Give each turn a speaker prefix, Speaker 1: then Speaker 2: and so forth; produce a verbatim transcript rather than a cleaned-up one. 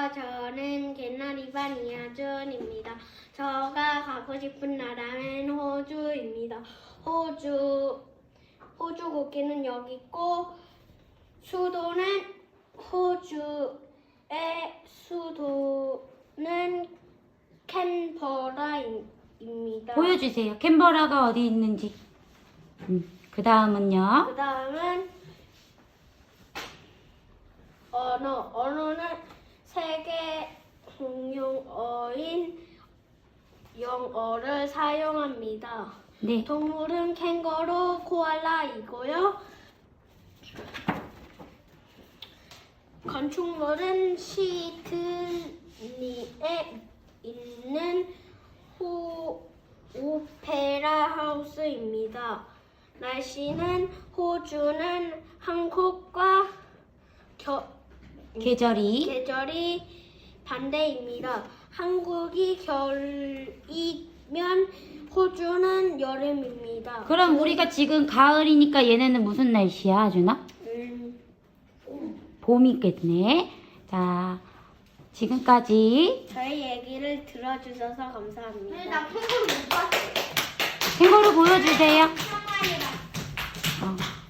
Speaker 1: 안녕하세요. 저는 개나리반 이하준입니다. 저가 가고 싶은 나라는 호주입니다. 호주, 호주 국기는 여기 있고, 수도는 호주의 수도는 캔버라입니다.
Speaker 2: 보여주세요. 캔버라가 어디 있는지. 음, 그 다음은요.
Speaker 1: 그 다음은 언어. 언어는 세계 공용어인 영어를 사용합니다.
Speaker 2: 네.
Speaker 1: 동물은 캥거루, 코알라이고요. 건축물은 시드니에 있는 호, 오페라 하우스입니다. 날씨는 호주는 한국과 겨,
Speaker 2: 계절이
Speaker 1: 계절이 반대입니다. 한국이 겨울이면 호주는 여름입니다.
Speaker 2: 그럼 우리가 지금 가을이니까 얘네는 무슨 날씨야, 아주나?
Speaker 1: 음,
Speaker 2: 봄이겠네. 자, 지금까지
Speaker 1: 저희 얘기를 들어주셔서 감사합니다.
Speaker 3: 근데 나 캥거루 못 봤어.
Speaker 2: 캥거루 보여주세요.
Speaker 3: 한 마리가.
Speaker 2: 어.